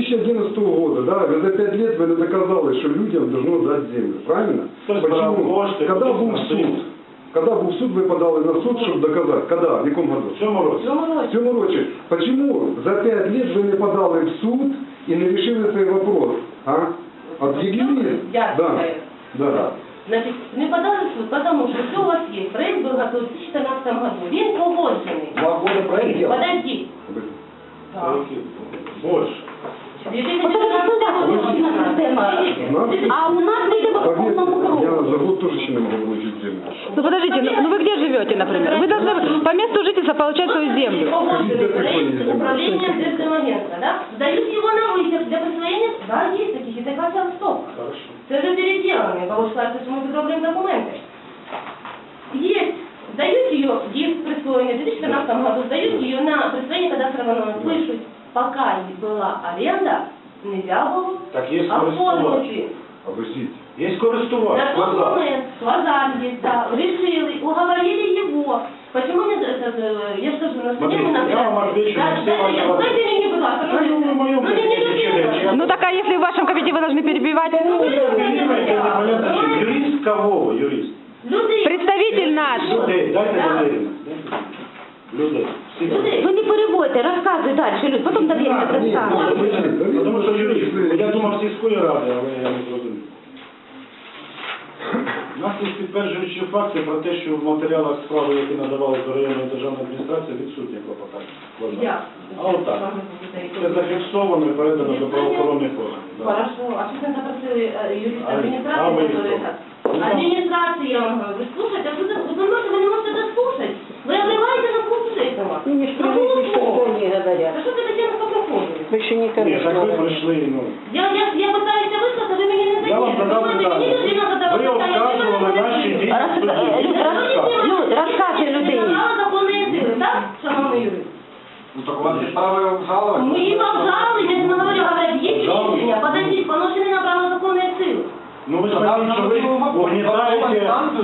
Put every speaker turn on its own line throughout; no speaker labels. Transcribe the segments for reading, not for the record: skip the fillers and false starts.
2011 года, да, вы за 5 лет вы не доказали, что людям должно дать землю, правильно? Почему? Когда был суд? Когда был суд, вы подали на суд, чтобы доказать? Когда? В каком году?
В цьому році.
В цьому році. Почему за 5 лет вы не подали в суд и не решили цей вопрос? А? От юрист? Да.
Значит, не подали в суд, потому что все у вас есть. Проект был готов в 2014 году. Він погоджений.
2 года проект делал?
Подожди.
Больше.
А у нас не по полному кругу.
Я за год тоже еще не могу получить землю.
Ну подождите, ну вы где живете, например? Вы должны по месту жительства получать свою землю.
Управление Державного агентства, да? Сдают его на высер для присвоения. Да, есть такие, это как стоп. Это же переделано, получается, что мы подробляем документы. Есть. Сдают ее, есть присвоение, в 2014 году сдают ее на присвоение кадастрового номера. Пишут, пока не была аренда, нельзя было
Так есть
оформить.
Обождите.
Есть користувач.
На тот момент Квазар есть, да, решили, уговорили его. Почему не, я же скажу, на суде мы
Смотрите, я вам отвечу на все ваши вопросы.
Дайте мне, будь ласка,
Ну так а если в вашем кабинете вы должны перебивать?
Юрист кого? Юрист?
Представитель наш.
Людей. Дайте довірення. Людей.
Ви не переводьте, розказуй далі, Люд, потім довірте розказуй.
Тому що юрист, я думав сільської ради, але я не зрозумів. У нас є підтверджуючі факти про те, що в матеріалах справи, які надавали до районної державної адміністрації, відсутні клопотання. А отак. Це зафіксовано і передано до правоохоронних органів.
Хорошо. А что вы запросили юриста администрации, который так? Администрация, я вам говорю, слушайте, а что вы не можете дослушать? Вы обливаете на курс этого.
Не спрашивайте, что они говорят.
А что ты таким по проходу?
Вы еще не
Ні, так ви прийшли, ну.
Я пытаюсь выслать, а вы мне не даете.
Я вам задав питання. Ви обказували наші дії в суді.
Люд, розказуй людині.
Законные силы, так, шановный юрист?
Ну так у вас есть право обжаловать?
Мы его обжаловали, я говорю, говорят, есть решение, подождите, поношены на право законные силы.
Ну ви знаєте, що ви угнітаєте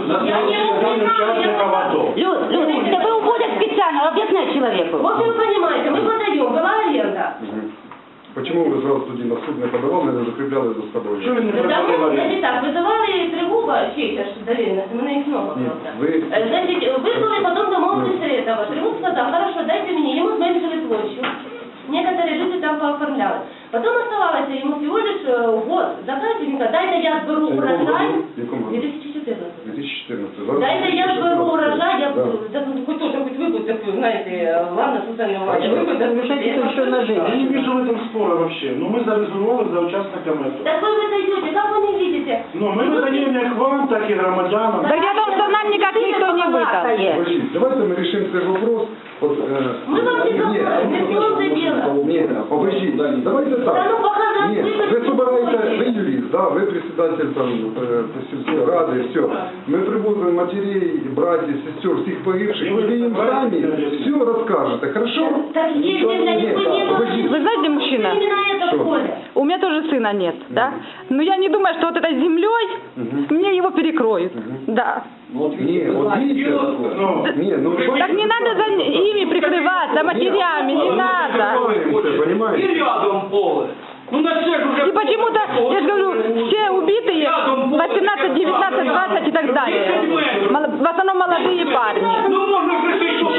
учасника АТО.
Люд, тебе уводят специально, объясняй человеку.
Вот вы понимаете, мы подаем, была аренда.
Почему вы сразу тоді на суд не подавали, не закріпляли за собою?
Що ви не
Потому,
придумали?
значит так, вызывали тревогу, честь, аж доверенность, у меня их много
Нет,
просто.
вы-
Значит, вызвали, потом домовились этого. Тревог сказал, хорошо, дайте мне, ему зменшили площадь. Некоторые люди там пооформляли. Потом оставалось ему всего лишь год. Закажите мне, дайте я сберу урожай.
В якому году?
2014.
2014.
Дайте я сберу урожай, я
Да.
хоть тоже хоть выпуск такой, знаете, ладно, социальный урожай, выпуск
еще на жизнь.
Я не вижу в этом спора вообще. Ну мы зарезервировали за участниками АТО.
Так вы даете, как вы не видите?
Ну мы выдаем как вам, так и громадянам.
Так я думаю, что нам никак никто не выдал.
Подождите, давайте мы решим цей вопрос. Вот,
Мы вам не должны, не сделайте дело.
Нет, подождите, давайте так.
Да ну, пока
Нет,
вы
вы собираете, вы юрист, да, вы председатель там сельской рады, все. Мы приводим матерей, братьев, сестер, всех погибших, вы им сами все расскажете, хорошо?
Так если для них вы не
подождите.
Вы знаете, мужчина?
Именно это
Что?
в поле.
У меня тоже сына нет, да? Но я не думаю, что вот этой землей мне его перекроют. Да.
Вот
Не,
видите, вы
вот
знаете,
видите,
дело такое.
Ну,
не, ну
Так не надо за ими прикрываться, матерями, не надо.
понимаете?
И рядом поле. Ну на всех уже...
И почему-то, я же говорю, все убитые 18, 19, 20 и так далее. В основном молодые парни.
Ну можна прийти, що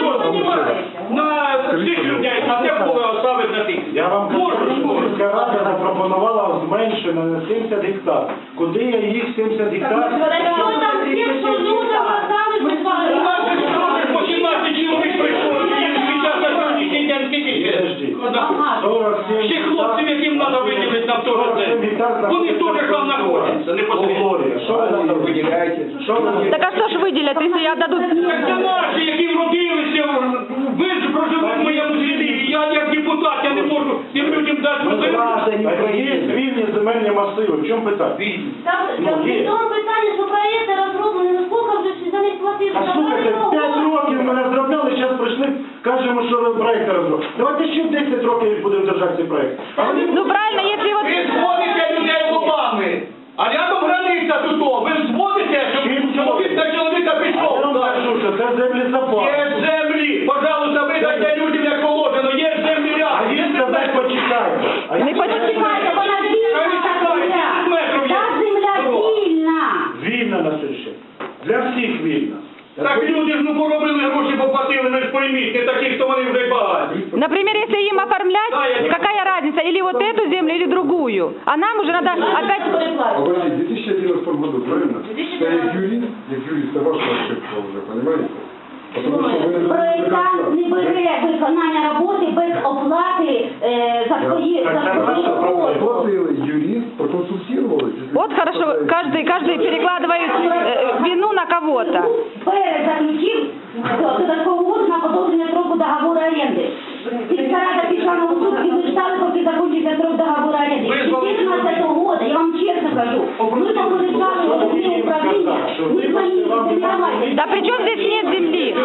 на всіх людей, а це поле оставить на тих.
я вам кажу, що сільська рада запропонувала зменшити на 70 гектар. Куди я їх 70 гектар?
Что там всех, что нужно, осталось, мы с
У
вами.
нас же сьогодні по 17 чоловік прийшло, і зараз на сьогоднішній день скільки ще?
Подожди.
Ага.
47
Ще хлопців, яким треба виділити на того вони теж там знаходяться, не посередньо.
Що ви там
виділяєте?
Що ви
Так а что ж выделят, если отдадут?
Так це наші, які вродилися, ви ж проживете в моєму селі, я як депутат, я не можу тим людям дати можливість.
Є вільні земельні масиви, в чому питання?
Там в тому питанні, що проєкти розроблені, ну скільки вже за них платили?
А слухайте, 5 років ми розробляли, зараз прийшли, кажемо, що проєкт розробляли. Давайте ще 10 років будемо держати цей проєкт. А вони
Ну правильно, если вот...
Ви зводите людей лобами, а рядом границя тут, ви зводите, щоб чоловік на чоловіка
я
пішов.
вам кажу, що це землі запас.
Є землі, пожалуйста, ви дайте людям як положено, є землі
А
рядом.
їм сказати почекайте. А
Не
їм
Почекайте, вона вільна, та земля. Та земля вільна.
Вільна на сьогодні. Для всіх вільна.
Так люди ж ну поробили гроші, поплатили, ви ж пойміть, не такі, хто вони вже багаті.
Например, если им оформлять, какая разница, или вот эту землю, или другую? А нам уже надо опять...
Подожди, в 2011 году, правильно? Я як юрист, это ваша ошибка уже, понимаете? Потому что вы не
Проєктант не бере виконання роботи без оплати за свої роботи.
Платили юрист, проконсультировались.
Вот хорошо, каждый перекладывает вину на кого-то.
Перезаключив додаткову угоду на подовження строку договору оренди. Сільська рада пішла на суд і ви ждали, поки закінчиться строк договору оренди. 14 года, я вам чесно кажу, ви попереджали головне управління, ви свої землямайте.
Да при чем здесь нет земли?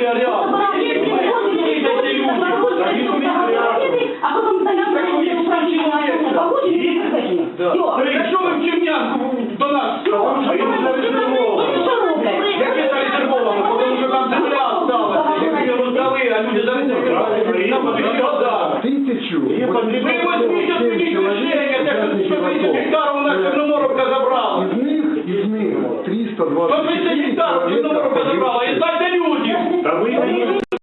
А потім заявляєте управління, погоджені і підтверджені. Все.
Якщо ви в Чернянку до нас, як це резервовано, тому що там земля осталась, які роздали, а люди зарезервували, нам потрібно вода.
1000.
Ви возьміть от мені рішення, так що 130 гектарів у нас Чорноморовка забрала.
Из них 320
130 гектарів Чорноморовка забрала, і дайте людям.